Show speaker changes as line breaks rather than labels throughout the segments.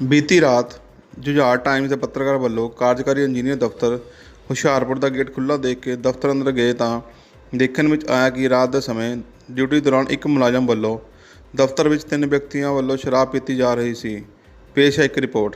ਬੀਤੀ ਰਾਤ ਜੁਝਾਰ ਟਾਈਮਜ਼ ਦੇ ਪੱਤਰਕਾਰ ਵੱਲੋਂ ਕਾਰਜਕਾਰੀ ਇੰਜੀਨੀਅਰ ਦਫ਼ਤਰ ਹੁਸ਼ਿਆਰਪੁਰ ਦਾ ਗੇਟ ਖੁੱਲ੍ਹਾ ਦੇਖ ਕੇ ਦਫ਼ਤਰ ਅੰਦਰ ਗਏ ਤਾਂ ਦੇਖਣ ਵਿੱਚ ਆਇਆ ਕਿ ਰਾਤ ਦੇ ਸਮੇਂ ਡਿਊਟੀ ਦੌਰਾਨ ਇੱਕ ਮੁਲਾਜ਼ਮ ਵੱਲੋਂ ਦਫ਼ਤਰ ਵਿੱਚ 3 ਵਿਅਕਤੀਆਂ ਵੱਲੋਂ ਸ਼ਰਾਬ ਪੀਤੀ ਜਾ ਰਹੀ ਸੀ। ਪੇਸ਼ ਹੈ ਇੱਕ ਰਿਪੋਰਟ।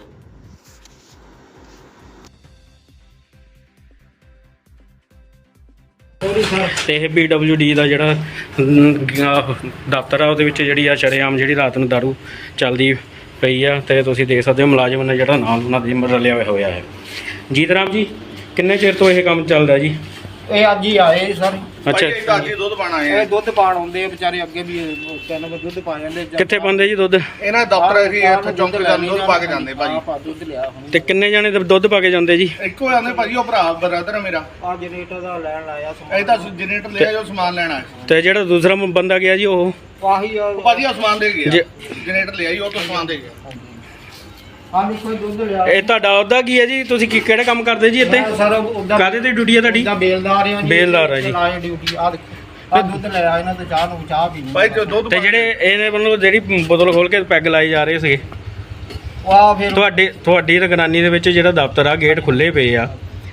ਤੇ ਇਹ PWD ਦਾ ਜਿਹੜਾ ਦਫ਼ਤਰ ਆ ਉਹਦੇ ਵਿੱਚ ਜਿਹੜੀ ਆ ਸ਼ਰੇਆਮ ਜਿਹੜੀ ਰਾਤ ਨੂੰ ਦਾਰੂ ਚੱਲਦੀ ਪਈ ਆ ਤੇ ਤੁਸੀਂ ਦੇਖ ਸਕਦੇ ਹੋ ਮੁਲਾਜ਼ਮ ਨੇ ਜਿਹੜਾ ਨਾਲ ਉਹਨਾਂ ਦੇ ਰਲਿਆ ਹੋਇਆ ਹੈ। ਜੀਤ ਰਾਮ ਜੀ, ਕਿੰਨੇ ਚਿਰ ਤੋਂ ਇਹ ਕੰਮ ਚੱਲਦਾ ਜੀ?
ਇਹ ਅੱਜ ਹੀ ਆਏ ਸਰ।
ਅੱਛਾ,
ਅੱਜ ਹੀ ਦੁੱਧ ਪਾਣਾ ਆਏ ਆ।
ਇਹ ਦੁੱਧ ਪਾਣ ਆਉਂਦੇ ਆ ਵਿਚਾਰੇ, ਅੱਗੇ ਵੀ ਤਿੰਨ ਵਜੇ ਦੁੱਧ ਪਾ ਜਾਂਦੇ।
ਕਿੱਥੇ ਪਾਉਂਦੇ ਜੀ ਦੁੱਧ?
ਇਹਨਾਂ ਦਫ਼ਤਰ ਹੀ ਇੱਥੇ ਚੌਂਕੀ ਦਾ ਦੁੱਧ ਪਾ ਕੇ ਜਾਂਦੇ ਭਾਜੀ।
ਆਪਾਂ ਦੁੱਧ ਲਿਆ ਹੁਣ।
ਤੇ ਕਿੰਨੇ ਜਾਣੇ ਦੁੱਧ ਪਾ ਕੇ ਜਾਂਦੇ ਜੀ?
ਇੱਕੋ ਜਾਂਦੇ ਭਾਜੀ, ਉਹ ਭਰਾ ਬ੍ਰਦਰ ਹੈ ਮੇਰਾ।
ਆ ਜਨਰੇਟਰ ਦਾ ਲੈਣ ਲਾਇਆ
ਇਹ ਤਾਂ ਜਨਰੇਟਰ ਲਿਆ ਜੋ ਸਮਾਨ ਲੈਣਾ ਹੈ।
ਤੇ ਜਿਹੜਾ ਦੂਸਰਾ ਬੰਦਾ ਗਿਆ ਜੀ ਉਹ
ਆਹੀ ਆ
ਉਹ ਭਾਜੀ ਉਹ ਸਮਾਨ ਦੇ ਗਿਆ,
ਜੇ-
ਜਨਰੇਟਰ ਲਿਆ ਜੀ, ਉਹ ਤੋਂ ਸਮਾਨ ਦੇ ਗਿਆ।
ਹਾਂ ਕੋਈ ਦੁੱਧ ਲਿਆ।
ਇਹ ਤੁਹਾਡਾ ਉਹਦਾ ਕੀ ਹੈ ਜੀ? ਤੁਸੀਂ ਕਿਹੜਾ ਕੰਮ ਕਰਦੇ ਜੀ ਇੱਥੇ?
ਸਰ ਉਹਦਾ
ਕਾਹਦੇ ਤੇ ਡਿਊਟੀ ਹੈ ਤੁਹਾਡੀ?
ਬੇਲਦਾਰ ਆ ਜੀ।
ਬੇਲਦਾਰ ਆ ਜੀ।
ਲਾਏ ਡਿਊਟੀ ਆ ਦੇਖੋ। ਆ ਦੁੱਧ ਲਿਆ ਇਹਨਾਂ ਤੇ ਚਾਹ ਪੀਣੀ।
ਭਾਈ ਜੋ ਦੁੱਧ
ਤੇ ਜਿਹੜੇ ਇਹਨੇ ਵੱਲੋਂ ਜਿਹੜੀ ਬੋਤਲ ਖੋਲ ਕੇ ਪੈਗ ਲਾਈ ਜਾ ਰਹੇ ਸੀਗੇ,
ਆ ਫਿਰ
ਤੁਹਾਡੀ ਨਿਗਰਾਨੀ ਦੇ ਵਿੱਚ ਜਿਹੜਾ ਦਫ਼ਤਰ ਆ ਗੇਟ ਖੁੱਲੇ ਪਏ ਆ।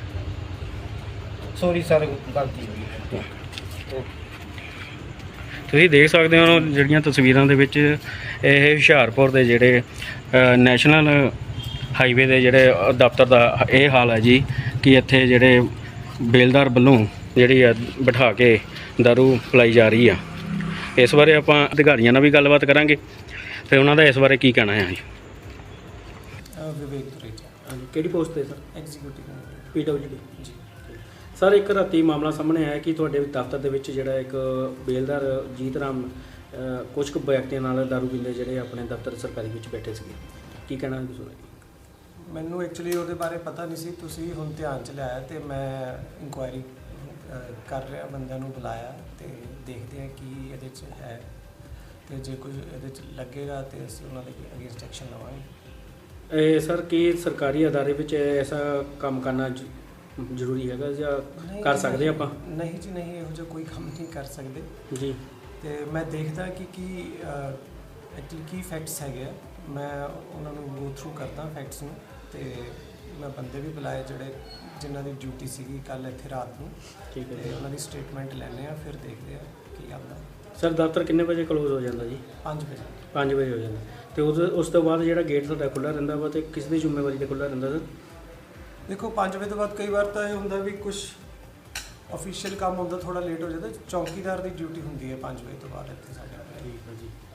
ਸੌਰੀ ਸਰ, ਗਲਤੀ ਹੋ ਗਈ।
ਤੁਸੀਂ ਦੇਖ ਸਕਦੇ ਹੋ ਜਿਹੜੀਆਂ ਤਸਵੀਰਾਂ ਦੇ ਵਿੱਚ ਇਹ ਹੁਸ਼ਿਆਰਪੁਰ ਦੇ ਜਿਹੜੇ ਨੈਸ਼ਨਲ ਹਾਈਵੇ ਦੇ ਜਿਹੜੇ ਦਫ਼ਤਰ ਦਾ ਇਹ ਹਾਲ ਹੈ ਜੀ ਕਿ ਇੱਥੇ ਜਿਹੜੇ ਬੇਲਦਾਰ ਵੱਲੋਂ ਜਿਹੜੀ ਆ ਬਿਠਾ ਕੇ ਦਾਰੂ ਪਿਲਾਈ ਜਾ ਰਹੀ ਆ। ਇਸ ਬਾਰੇ ਆਪਾਂ ਅਧਿਕਾਰੀਆਂ ਨਾਲ ਵੀ ਗੱਲਬਾਤ ਕਰਾਂਗੇ ਤੇ ਉਹਨਾਂ ਦਾ ਇਸ ਬਾਰੇ ਕੀ ਕਹਿਣਾ ਹੈ ਜੀ।
ਵਿਵੇਕ ਤੁਰੇਜਾ,
ਹਾਂਜੀ, ਕਿਹੜੀ ਪੋਸਟ ਤੇ sir?
Executive
PWD ji. Sir, ਇੱਕ ਰਾਤੀ ਮਾਮਲਾ ਸਾਹਮਣੇ ਆਇਆ ਕਿ ਤੁਹਾਡੇ ਦਫ਼ਤਰ ਦੇ ਵਿੱਚ ਜਿਹੜਾ ਇੱਕ ਬੇਲਦਾਰ ਜੀਤ ਰਾਮ ਕੁਝ ਕੁ ਵਿਅਕਤੀਆਂ ਨਾਲ ਦਾਰੂ ਪੀਂਦੇ ਜਿਹੜੇ ਆਪਣੇ ਦਫ਼ਤਰ ਸਰਕਾਰੀ ਵਿੱਚ ਬੈਠੇ ਸੀਗੇ, ਕੀ ਕਹਿਣਾ ਹੈ ਤੁਸੀਂ?
ਮੈਨੂੰ ਐਕਚੁਅਲੀ ਉਹਦੇ ਬਾਰੇ ਪਤਾ ਨਹੀਂ ਸੀ, ਤੁਸੀਂ ਹੁਣ ਧਿਆਨ 'ਚ ਲਿਆਇਆ ਤੇ ਮੈਂ ਇਨਕੁਆਇਰੀ ਕਰ ਰਿਹਾ, ਬੰਦਿਆਂ ਨੂੰ ਬੁਲਾਇਆ ਤੇ ਦੇਖਦੇ ਹਾਂ ਕੀ ਇਹਦੇ 'ਚ ਹੈ ਤੇ ਜੇ ਕੁਝ ਇਹਦੇ 'ਚ ਲੱਗੇਗਾ ਤੇ ਅਸੀਂ ਉਹਨਾਂ ਦੇ ਅਗੇਂਸਟ ਐਕਸ਼ਨ ਲਵਾਂਗੇ।
ਇਹ ਸਰ, ਕੀ ਸਰਕਾਰੀ ਅਦਾਰੇ ਵਿੱਚ ਐਸਾ ਕੰਮ ਕਰਨਾ ਜ਼ਰੂਰੀ ਹੈਗਾ ਜਾਂ ਕਰ ਸਕਦੇ ਆਪਾਂ?
ਨਹੀਂ ਜੀ ਨਹੀਂ, ਇਹੋ ਜਿਹਾ ਕੋਈ ਕੰਮ ਨਹੀਂ ਕਰ ਸਕਦੇ
ਜੀ।
ਤੇ ਮੈਂ ਦੇਖਦਾ ਕਿ ਕੀ ਐਕਚੁਅਲੀ ਕੀ ਫੈਕਟਸ ਹੈਗੇ ਆ, ਮੈਂ ਉਹਨਾਂ ਨੂੰ ਗੋ ਥਰੂ ਕਰਦਾ ਫੈਕਟਸ ਨੂੰ ਤੇ ਮੈਂ ਬੰਦੇ ਵੀ ਬੁਲਾਏ ਜਿਹੜੇ ਜਿਨ੍ਹਾਂ ਦੀ ਡਿਊਟੀ ਸੀਗੀ ਕੱਲ ਇੱਥੇ ਰਾਤ ਨੂੰ।
ਠੀਕ ਹੈ
ਤੇ ਉਹਨਾਂ ਦੀ ਸਟੇਟਮੈਂਟ ਲੈਣੇ ਆ, ਫਿਰ ਦੇਖਦੇ ਆ ਕੀ ਆਉਂਦਾ।
ਸਰ, ਦਫ਼ਤਰ ਕਿੰਨੇ ਵਜੇ ਕਲੋਜ਼ ਹੋ ਜਾਂਦਾ ਜੀ?
5 ਵਜੇ।
5 ਵਜੇ ਹੋ ਜਾਂਦਾ। ਤੇ ਉਸ ਤੋਂ ਬਾਅਦ ਜਿਹੜਾ ਗੇਟ ਤੁਹਾਡਾ ਖੁੱਲ੍ਹਾ ਰਹਿੰਦਾ ਵਾ ਤੇ ਕਿਸ ਦੀ ਜ਼ਿੰਮੇਵਾਰੀ ਤੇ ਖੁੱਲ੍ਹਾ ਰਹਿੰਦਾ ਸਰ?
ਦੇਖੋ 5 ਵਜੇ ਤੋਂ ਬਾਅਦ ਕਈ ਵਾਰ ਤਾਂ ਇਹ ਹੁੰਦਾ ਵੀ ਕੁਝ ਅਫੀਸ਼ੀਅਲ ਕੰਮ ਹੁੰਦਾ, ਥੋੜਾ ਲੇਟ ਹੋ ਜਾਂਦਾ। ਚੌਕੀਦਾਰ ਦੀ ਡਿਊਟੀ ਹੁੰਦੀ ਹੈ 5 ਵਜੇ ਤੋਂ ਬਾਅਦ ਇੱਥੇ ਸਾਡੇ।
ਠੀਕ ਹੈ ਜੀ।